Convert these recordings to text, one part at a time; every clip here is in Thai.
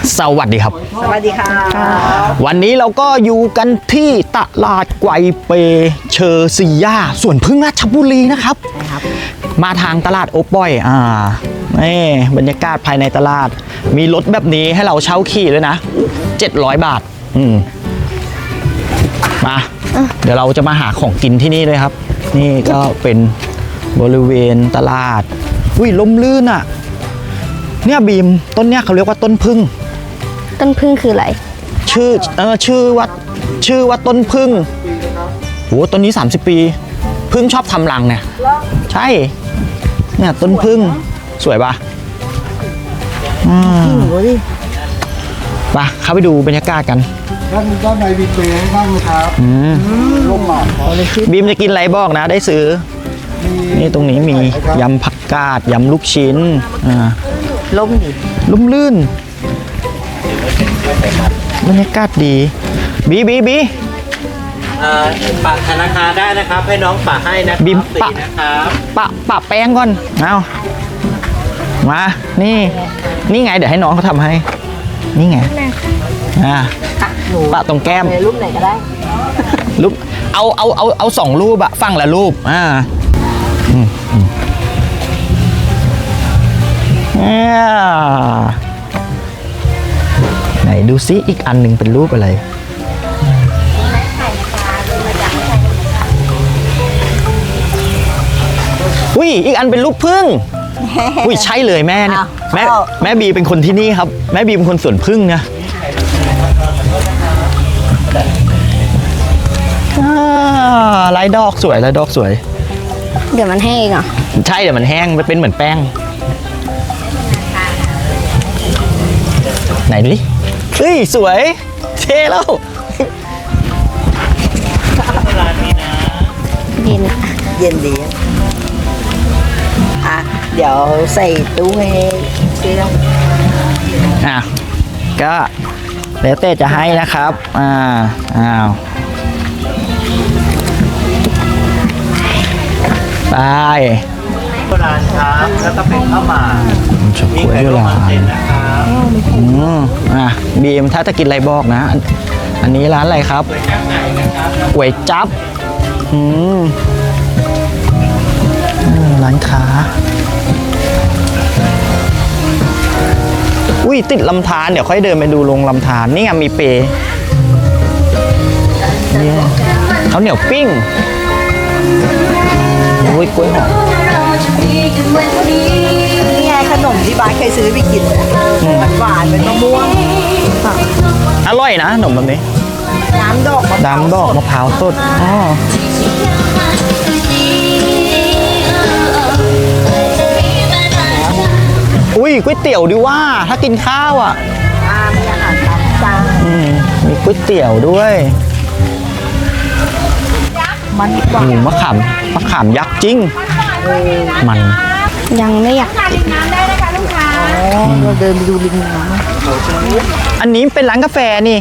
สวัสดีครับสวัสดีค่ะวันนี้เราก็อยู่กันที่ตลาดไกวเปเชอร์ซีย่าสวนพึ่งราชบุรีนะครับ มาทางตลาดโอปอยนี่บรรยากาศภายในตลาดมีรถแบบนี้ให้เราเช่าขี่ด้วยนะ700 บาทมาเดี๋ยวเราจะมาหาของกินที่นี่เลยครับนี่ก็เป็นบริเวณตลาดอุ้ยลมลื่นอ่ะเนี่ยบีมต้นเนี้ยเขาเรียกว่าต้นพึ่งต้นพึ่งคืออะไรชื่อว่าต้นพึ่งโหต้นนี้30 ปีพึ่งชอบทำรังเนี่ยใช่เนี่ยต้นพึ่งสวยปะไปเข้าไปดูบรรยากาศกันด้านในมีเปรย์ให้นั่งนะครับร่มหมากครับบีมจะกินอะไรบอกนะได้ซื้อนี่ตรงนี้มียำผักกาดยำลูกชิ้นล่มดิลุ่มลื่นบรรยากาศดีบีปะธนาคารได้นะครับให้น้องปะให้นะบีมปะนะครับปะแป้งก่อนเอามานี่ไงเดี๋ยวให้น้องเขาทำให้นี่ไงปะตรงแก้มรูปไหนก็ได้รูปเอา2 รูปอะฝั่งละรูปไหนดูซิอีกอันหนึ่งเป็นรูปอะไรอุ้ยอีกอันเป็นรูปผึ้งอุ้ยใช่เลยแม่เนี่ยแม่บีเป็นคนที่นี่ครับแม่บีเป็นคนสวนผึ้งนะลายดอกสวยลายดอกสวยเดี๋ยวมันแห้งเหรอใช่เดี๋ยวมันแห้งมันเป็นเหมือนแป้งไหนดูดิเฮ้ยสวยเท่แล้วเย็นเย็นดีเดี๋ยวใส่ตู้ให้เชี่ยวก็แล้วแต่จะให้นะครับไปโบราณครับแล้วก็เป็นข้าวหมากชอบกล้วยโบราณบีมถ้าจะกินอะไรบอกนะอันนี้ร้านอะไรครับก๋วยจั๊บร้านค้าอุ้ยติดลำธารเดี๋ยวค่อยเดินไปดูลงลำธารนี่ไงมีเปเขาเหนียวปิ้งอุ้ยกล้วยหอมนี่ไงขนมที่บ้านเคยซื้อไปกินมันหวานเป็นมะม่วงอร่อยนะขนมแบบนี้น้ำดอกมะพร้าวสดอุ้ยก๋วยเตี๋ยวดิว่าถ้ากินข้าวอ่ะมีอาหารตามสั่งมีก๋วยเตี๋ยวด้วยมันหวานมะขามยักษ์จริงมันยังไม่อยากกินน้ำได้นะคะลูกค้าเราเดินไปดูริมน้ำอันนี้เป็นร้านกาแฟนี่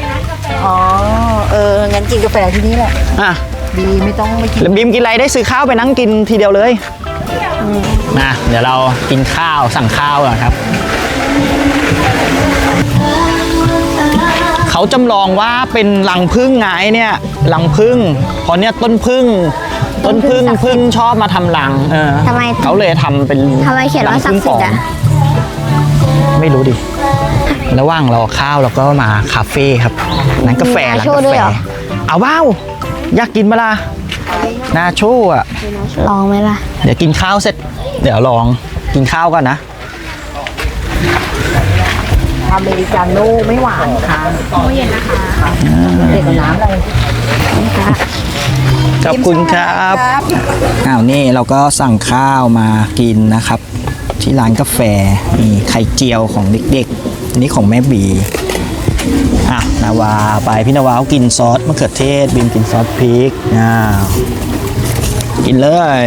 งั้นกินกาแฟที่นี่แหละบีไม่ต้องไม่กินแล้วบีมกินอะไรได้ซื้อข้าวไปนั่งกินทีเดียวเลยเดี๋ยวเรากินข้าวสั่งข้าวก่อนครับเขาจำลองว่าเป็นรังผึ้งไงเนี่ยรังผึ้งเพราะเนี่ยต้นผึ้งชอบมาทำรังทำไมเขาเลยทำเป็นทำไมเขียนว่าศักดิ์สิทธิ์อ่ะไม่รู้ดิระหว่างรอข้าวเราก็มาคาเฟ่ครับร้านกาแฟเอาเบ้าอยากกินมาล่ะนาโชอ่ะลองไหมล่ะเดี๋ยวกินข้าวเสร็จเดี๋ยวลองกินข้าวกันนะอเมริกาโน่ไม่หวานค่ะเย็นนะคะเด็กกับน้ำอะไรขอบคุณครับนี่เราก็สั่งข้าวมากินนะครับที่ร้านกาแฟมีไข่เจียวของเด็กๆอันนี้ของแม่บีนาวาไปพี่นาวากินซอสมะเขือเทศบีมกินซอสพริกกินเลย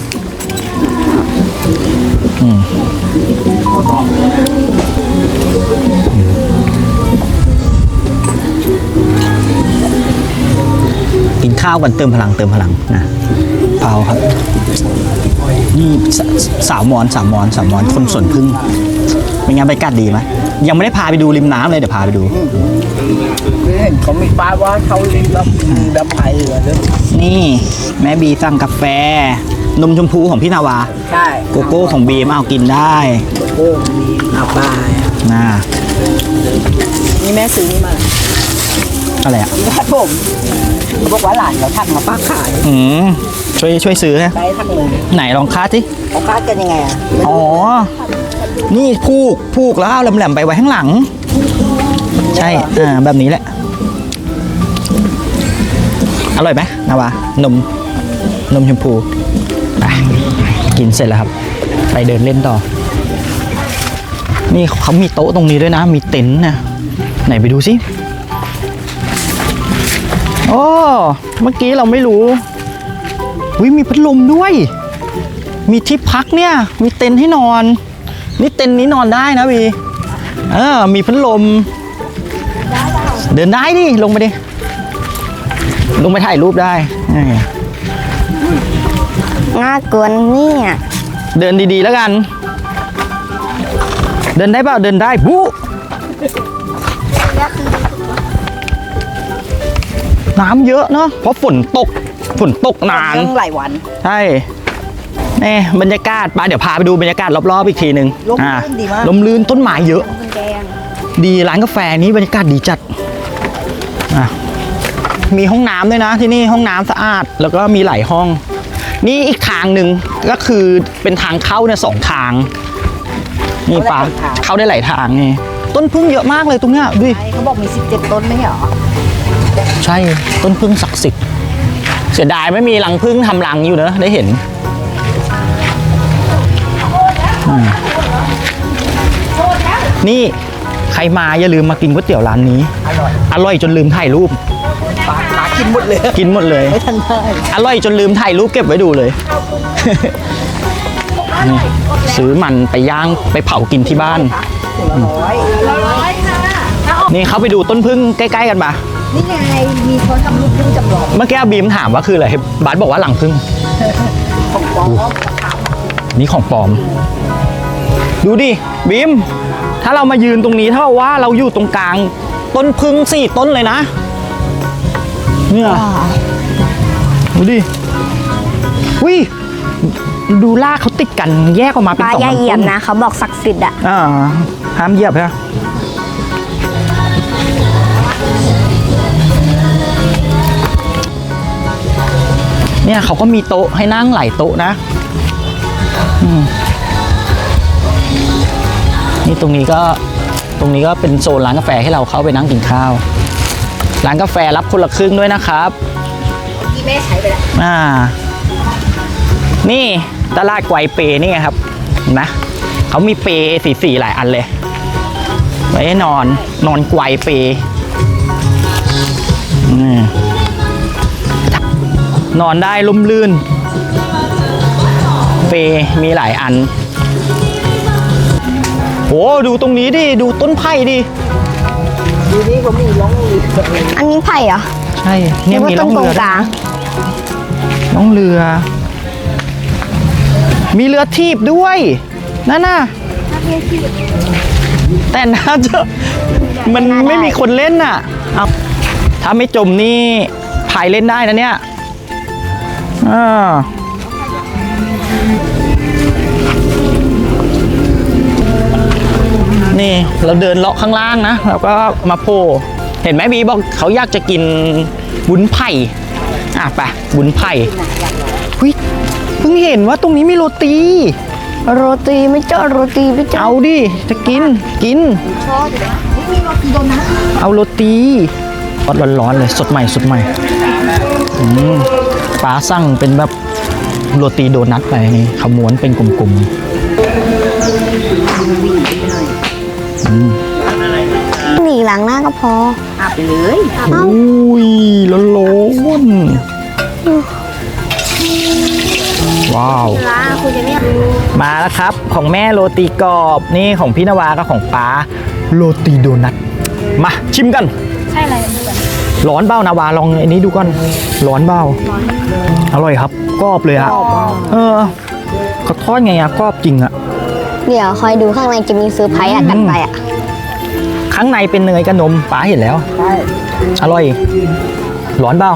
กินข้าวกันเติมพลังนะเปล่าครับนี่สาวมอนคนสวนพึ่งเป็นไงบรรยากาศดีไหมยังไม่ได้พาไปดูริมน้ำเลยเดี๋ยวพาไปดูเห็นเขามีป้ายว่าเขาลิงแบบไผ่เหรอเนี่ยนี่แม่บีสั่งกาแฟ นมชมพูของพี่นาวาใช่โกโก้ของบีมเอากินได้โอ้มีอาป้ายนะนี่แม่ซื้อนี่มาอะไรอ่ะครับผมเขาบอกว่าหลานเขาทักมาป้าขายช่วยซื้อนะได้ทั้งเลยไหนลองคาดสิเขาคาดกันยังไงอ่ะอ๋อ นี่ผูกแล้วเอาแหลมๆไปไว้ข้างหลัง ใช่แบบนี้แหละ อร่อยไหมนาวานมชมพูไปกินเสร็จแล้วครับ ไปเดินเล่นต่อ นี่เขามีโต๊ะตรงนี้ด้วยนะ มีเต็นท์นะไหนไปดูสิโอ้เมื่อกี้เราไม่รู้วิมีพัดลมด้วย มีที่พักเนี่ย มีเต็นท์ให้นอน นี่เต็นท์นี้นอนได้นะวีมีพัดลม เดินได้ดิ ลงไปดิ ลงไปถ่ายรูปได้น่ากลัวเนี่ยเดินดีๆแล้วกัน เดินได้เปล่าเดินได้บู๊น้ำเยอะเนาะ เพราะฝนตกนานเรื่องหลายวันใช่นี่บรรยากาศเดี๋ยวพาไปดูบรรยากาศรอบๆอีกทีหนึ่งลมลื่นดีมากลมลื่นต้นไม้เยอะ ดีร้านกาแฟนี้บรรยากาศดีจัดมีห้องน้ำด้วยนะที่นี่ห้องน้ำสะอาด แล้วก็มีหลายห้อง นี่อีกทางหนึ่งก็คือเป็นทางเข้าเนี่ย2 ทาง นี่ปาเข้าได้หลายทางนี่ต้นพึ่งเยอะมากเลยตรงเนี้ยดูดิเขาบอกมี17ต้นไม่ใช่เหรอใช่ต้นพึ่งศักดิ์สิทธิ์เสียดายไม่มีรังพึ่งทำรังอยู่เนอะได้เห็นนี่ใครมาอย่าลืมมากินก๋วยเตี๋ยวร้านนี้ อร่อยจนลืมถ่ายรูปปลากินหมดเลยกินหมดเลยไม่ทันได้อร่อยจนลืมถ่ายรูปเก็บไว้ดูเลย นี่ซื้อมันไปย่างไปเผากินที่บ้าน นี่เขาไปดูต้นพึ่งใกล้ๆกันปะนี่ไงมีคนทำรูปพึ่งจำลองเมื่อกี้บีมถามว่าคืออะไรบาสบอกว่าหลังพึ่งของปลอมนี่ของปลอม ดูดิบีมถ้าเรามายืนตรงนี้เท่าว่าเราอยู่ตรงกลางต้นพึ่ง4 ต้นเลยนะเนี่ยดูดิวิดูลากเขาติดกันแยกออกมาเป็นป้า 2 อย่าลำเหยียต้บนนะเขาบอกศักดิ์สิทธิ์อะห้ามเหยียบใช่ไหมเนี่ยเขาก็มีโต๊ะให้นั่งหลายโต๊ะนะนี่ตรงนี้ก็เป็นโซนร้านกาแฟให้เราเข้าไปนั่งกินข้าว ร้านกาแฟรับคนละครึ่งด้วยนะครับที่แม่ใช้ไปแล้วนี่ตลาดไกวเปนี่ไงครับเห็นไหมเขามีเปสีหลายอันเลยไว้ให้นอนไกวเปนอนได้ลุ่มลื่นเปมีหลายอันโอ้ดูตรงนี้ดิดูต้นไผ่ดิทีนี้ก็มีร้องเรืออันนี้ไผ่เหรอใช่เนี่ยมีนึกล่ว่าองต้นเรือกลางล่องเรือ มีเรือทีบด้วยนั่นน่ะแต่น่าจะมันไม่มีคนเล่นน่ะเอาถ้าไม่จมนี่พายเล่นได้นะเนี่ยนี่เราเดินเลาะข้างล่างนะแล้วก็มาโผล่เห็นไหมบีบอกเขาอยากจะกินวุ้นไผ่ไปวุ้นไผ่เฮ้ยเพิ่งเห็นว่าตรงนี้มีโรตีโรตีไม่เจอโรตีไม่เจอเอาดิจะกินชอบอยู่นะมีโรตีโดนัทเอาโรตีร้อนๆเลยสดใหม่ป้าสั่งเป็นแบบโรตีโดนัทไปนี่เขาม้วนเป็นกลมๆหนีหลังหน้าก็พออาบไปเลยอุ้ยร้อนว้าวร้านคุณจะเนี่ยมาแล้วครับของแม่โรตีกรอบนี่ของพี่นวากับของป้าโรตีโดนัทมาชิมกันใช่อะไรร้อนเบ้านาวาลองอันนี้ดูก่อนร้อนเบ้าอร่อยครับกรอบเลยอะเขาทอดไงอะกรอบจริงอะเดี๋ยวคอยดูข้างในจะมีเซอร์ไพรส์อ่ะกันไปอ่ะข้างในเป็นเนยกับนมป๋าเห็นแล้วใช่อร่อย ร้อนเปล่า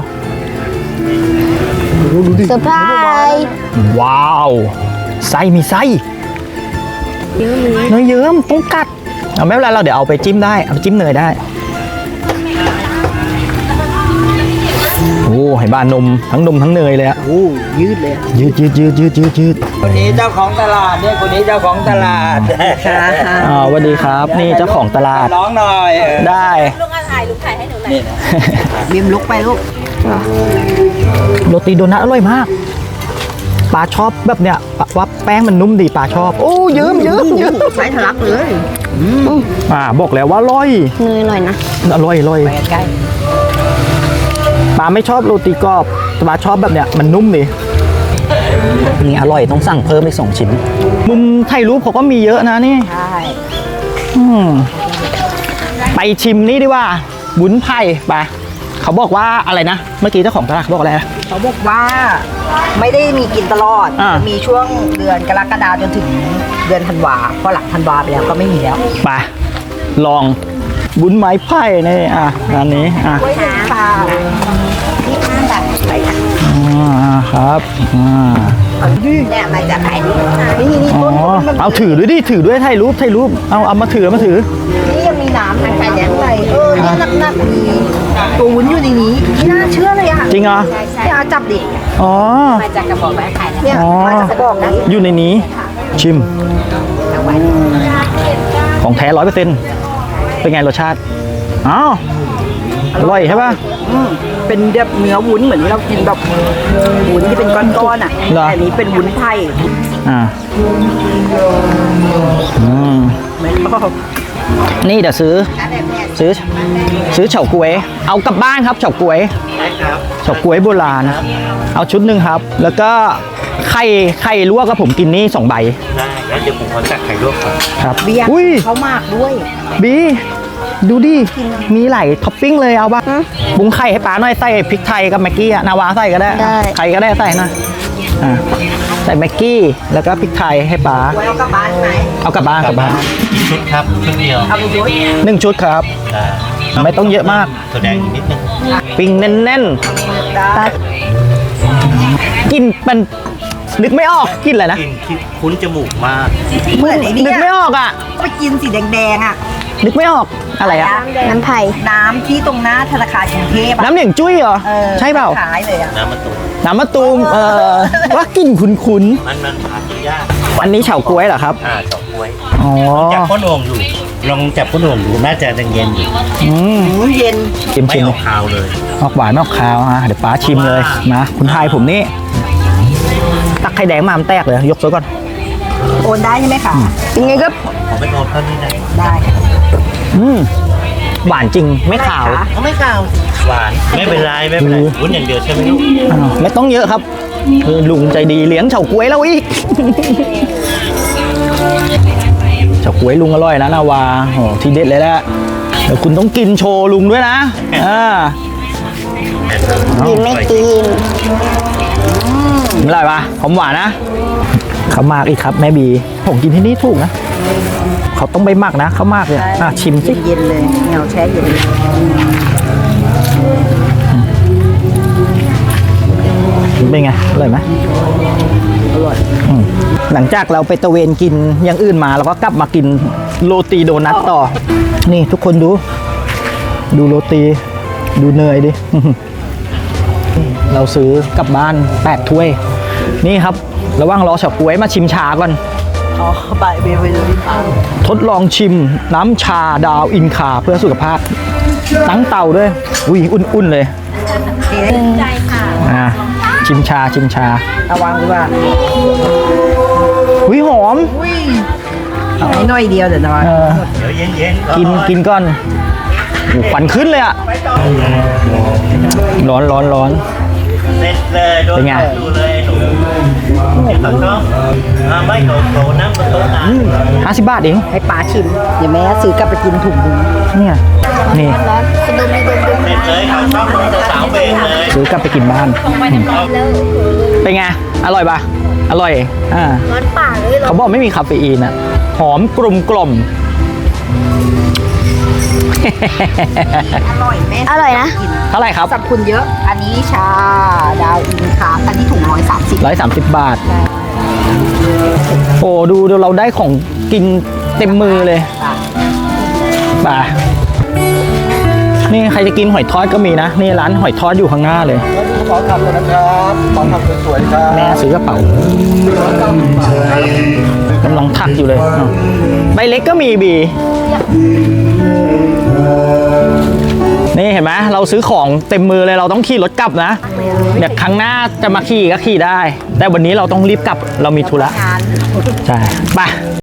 เซอร์ไพรส์ว้าว ไส้มีไส้เนยเยิ้มต้องกัดเอาไม่เป็นไรเราเดี๋ยวเอาไปจิ้มได้เอาไปจิ้มเนยได้โอ้เห็นบ้านนมทั้งเนยเลยอะโอ้ยืดเลยยืดคนนี้เจ้าของตลาดเนี่ยคนนี้เจ้าของตลาดสวัสดีครับนี่เจ้าของตลาดร้องหน่อยได้บีมลุกไปลูกโรตีโดนัทอร่อยมากปลาชอบแบบเนี้ยว่าแป้งมันนุ่มดีปลาชอบโอ้เยิ้มใช้ทะลักเลยบอกแล้วว่าอร่อยเนยอร่อยนะอร่อยไปใกล้ปลาไม่ชอบโรตีกรอบปลาชอบแบบเนี้ยมันนุ่มดีนี่อร่อยต้องสั่งเพิ่มอีก2 ชิ้นมุมถ่ายรูปเขาก็มีเยอะนะนี่ใช่อืมไปชิมนี่ดีกว่าบุญไผ่ไปเขาบอกว่าอะไรนะเมื่อกี้เจ้าของตลาดเขาบอกอะไรนะเขาบอกว่าไม่ได้มีกินตลอดอ่าจะมีช่วงเดือนกรกฎาคมจนถึงเดือนธันวาพอหลังธันวาไปแล้วก็ไม่มีแล้วไปลองบุญไม้ไผ่นี่ร้านนี้ค่ะที่ข้างแบบไปค่ะครับเนี่ยมาจากไหนนี่นี่อ๋อต้นมันเอาถือด้วยดิถือด้วยถ่ายรูปเอามาถือนี่ยังมีน้ำทางการแดงไปนี่หนักๆมีตัววุ้นอยู่ในนี้ไม่น่าเชื่อเลยอ่ะจริงเหรอเนี่ยเอาจับดิอ๋อมาจากกระบอกไม้ไผ่เนี่ยอ๋อมาจากกระบอกนะอยู่ในนี้ชิมของแท้100%เป็นไงรสชาติอ้าวอร่อยใช่ป่ะเป็นแบบเนื้อวุ้นเหมือนที่เรากินแบบวุ้นที่เป็นก้อนๆอ่ะเหรอแต่อันนี้เป็นวุ้นไผ่อ่าอืมไม่ชอบนี่เดี๋ยวซื้อเฉาก๊วยเอากลับบ้านครับเฉาก๊วยเฉาก๊วยโบราณเอาชุดหนึ่งครับ แล้วก็ไข่ลวกกับผมกินนี่2 ใบได้แล้วเดี๋ยวผมขอจัดไข่ลวกก่อนครับเบียร์อุ้ยเขามากด้วยบีดูดิมีหลายท็อปปิ้งเลยเอาป่ะบุ้งไข่ให้ป๋าหน่อยใส่พริกไทยกับแม็กกี้อะนาวาใส่ก็ได้ได้ใครก็ได้ใส่นะใส่แม็กกี้แล้วก็พริกไทยให้ป๋าไว้เอากลับบ้านไหมเอากลับบ้านกลับบ้านชุดครับชุดเดียวเอาไปด้วย 1 ชุดครับได้ไม่ต้องเยอะมากตัวแดงอีกนิดนึงปิ้งแน่นได้ๆกินมันนึกไม่ออกกินอะไรนะกลิ่นที่คุ้นจมูกมากเหมือนไอ้นี่นึกไม่ออกอ่ะไปกินสีแดงๆอ่ะนึกไม่ออกอะไรอ่ะน้ำไผ่น้ำที่ตรงหน้าธนาคารกรุงเทพอะน้ำเหลียงจุ้ยเหรอออใช่เปล่าขายเลยอ่ะน้ำมะตูมน้ำมะตูมว่ากินคุ้นมันหากินยากๆอันนี้เฉาก๊วยเหรอครับเฉาก๊วยอ๋อจับก้นโอ่งอยู่ลองจับก้นโอ่งดูน่าจะยังเย็นอยู่อืมเย็นชิมไม่ชิมออกคาวเลยออกหวานไม่ออกคาวเดี๋ยวป้าชิมเลยมาคุณทายผมนี่ตักไข่แดงมามันแตกเลยยกซะก่อนโอนได้ใช่ไหมคะเป็นไงก็ผมเป็นโอนเท่านี้นะได้ค่ะหวานจริงไม่ขาวเขาไม่คาวหวานไม่เป็นไรไม่เป็นไรวุ้นอย่างเดียวใช่ไหมลูกไม่ต้องเยอะครับลุงใจดีเลี้ยงเฉาก๊วยแล้วอีก เฉาก๊วยลุงอร่อยนะนาวาโอ้ทีเด็ดเลยแหละเดี๋ยวคุณต้องกินโชว์ลุงด้วยนะกินไม่กินอร่อยปะหอมหวานนะเขามากอีกครับแม่บีผมกินที่นี่ถูกนะเขาต้องไปหมักนะเขามากเลยชิมสิเย็นๆเลยเงาแช่เย็นเป็นไงอร่อยไหมอร่อยหลังจากเราไปตะเวนกินอย่างอื่นมาเราก็กลับมากินโรตีโดนัทต่อ นี่ทุกคนดูโรตีดูเนยดิ เราซื้อกลับบ้าน8 ถ้วย นี่ครับระหว่างรอเฉาก๊วยมาชิมชาก่อนอ๋อใบเบลเลยทดลองชิมน้ำชาดาวอินคาเพื่อสุขภาพตั้งเตาด้วยอุ้ยอุ่นๆเลยชิมชาระวังดีว่าอุ้ยหอมเอาให้หน่อยเดียวเดี๋ยวนะเออเดี๋ยวเย็นๆกินก่อนโอ้ควันขึ้นเลยอะร้อนเสร็จเลยโดนเป็นไงดูเลยหนูที่เขาชอบไม่โตน้ำก็โตน้ำ 50 บาทเองให้ป้าชิมเดี๋ยวแม่ซื้อกลับไปกินถุงนึงเนี่ยนี่ร้อนๆดมเลยดมเบรกเลยเขาชอบลงสาวเบรกเลยซื้อกลับไปกินบ้านเป็นไง อร่อยปะอร่อยร้อนปากเลยเขาบอกไม่มีคาเฟอีนอะหอมกลุ่มกล่อมอร่อยแม่อร่อยนะเท่าไหร่ครับสรรพคุณเยอะ อันนี้ชาดาวอินคาอันนี้ถุง130 130 บาท โอ้ดูเราได้ของกินเต็มมือเลยป่ะนี่ใครจะกินหอยทอดก็มีนะ นี่ร้านหอยทอดอยู่ข้างหน้าเลยแล้วดูกระเป๋าทำกันนะครับกระเป๋าทำสวยๆครับแม่ซื้อกระเป๋ากำลังถักอยู่เลยอ้าวใบเล็กก็มีบี นี่เห็นไหมเราซื้อของเต็มมือเลยเราต้องขี่รถกลับนะเดี๋ยวครั้งหน้าจะมาขี่ก็ขี่ได้ แต่วันนี้เราต้องรีบกลับเรามีธุระงานใช่ไป